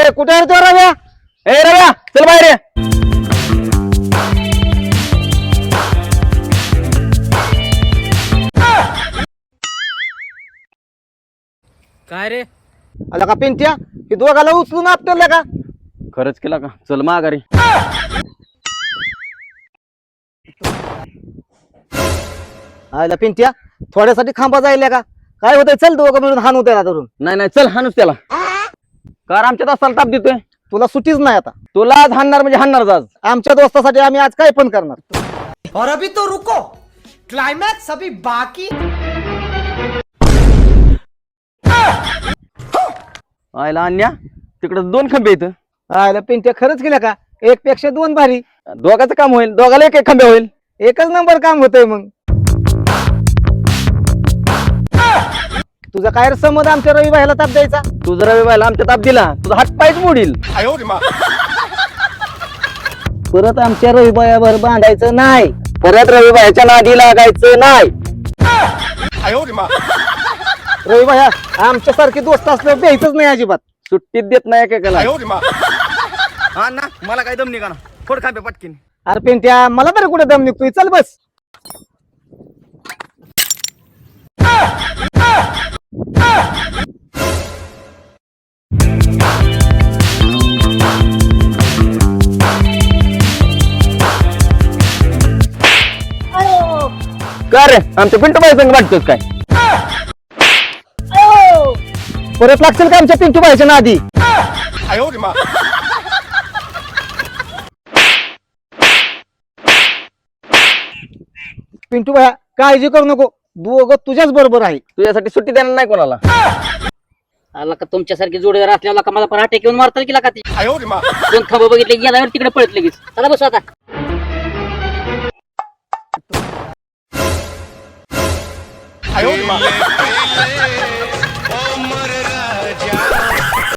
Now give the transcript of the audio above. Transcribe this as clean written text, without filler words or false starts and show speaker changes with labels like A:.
A: ए कुठे आहे तो रव्या? ए रव्या चल बाहेर ये.
B: काय रे?
A: आला का पिंट्या हे दोघाला उचलून आपटलं का?
C: खरंच केला का? चल माघारी.
A: आला पिंट्या थोड्यासाठी खांबा जायला का? काय होतंय चल दोघं मिळून हाणू त्याला धरून.
C: नाही नाही चल हाणूच त्याला. कार आमच्या दोस्ताला ताप देतोय.
A: तुला सुटीच नाही आता.
C: तुला आज हाणणार म्हणजे हाणणारच आज.
A: आमच्या दोस्तासाठी आम्ही आज काय पण करणार.
B: और अभी तो रुको, क्लाइमैक्स अभी बाकी.
C: आयला अन्या तिकडे 2 खंबे आहेत.
A: आला पिंट्या खरंच केलं का? एक पेक्षा 2 भारी.
C: दोघाचं काम होईल. दोघाला एक एक खंबे होईल.
A: एकच नंबर काम होतंय मग. तुझा काय रे संबंध आमच्या रवी भाईला ताप द्यायचा?
C: तू जर रविवारला आमच्या ताप दिला तुझा हात पायच मोडील.
A: परत आमच्या रवी भाईवर बांधायचं नाही.
C: परत रविवारच्या नादी लागायचं नाही.
A: रवी भाई आमच्या सारखे दोस्त असल्यावर द्यायचंच नाही अजिबात.
C: सुट्टीत देत नाही एकेकाला. हा ना मला काय दम निघा ना. फोड खांबे पटकीन.
A: अरे पिंट्या मला बरं कुठे दम निघतोय. चल बस.
C: का रे आमच्या पिंटू बाई संग वाटतोस काय?
A: परत लागतील का आमच्या पिंटू भाईच्या नादी? पिंटू भाई काळजी करू नको. दोघं तुझ्याच बरोबर आहे.
C: तुझ्यासाठी सुट्टी देणार नाही कोणाला.
D: आला का तुमच्यासारखी जोडीदार असल्याला का मला पराठे घेऊन मारतात की का ती 2 खांब बघितले गेल्यावर तिकडे पळत लगेच. चला बस आता.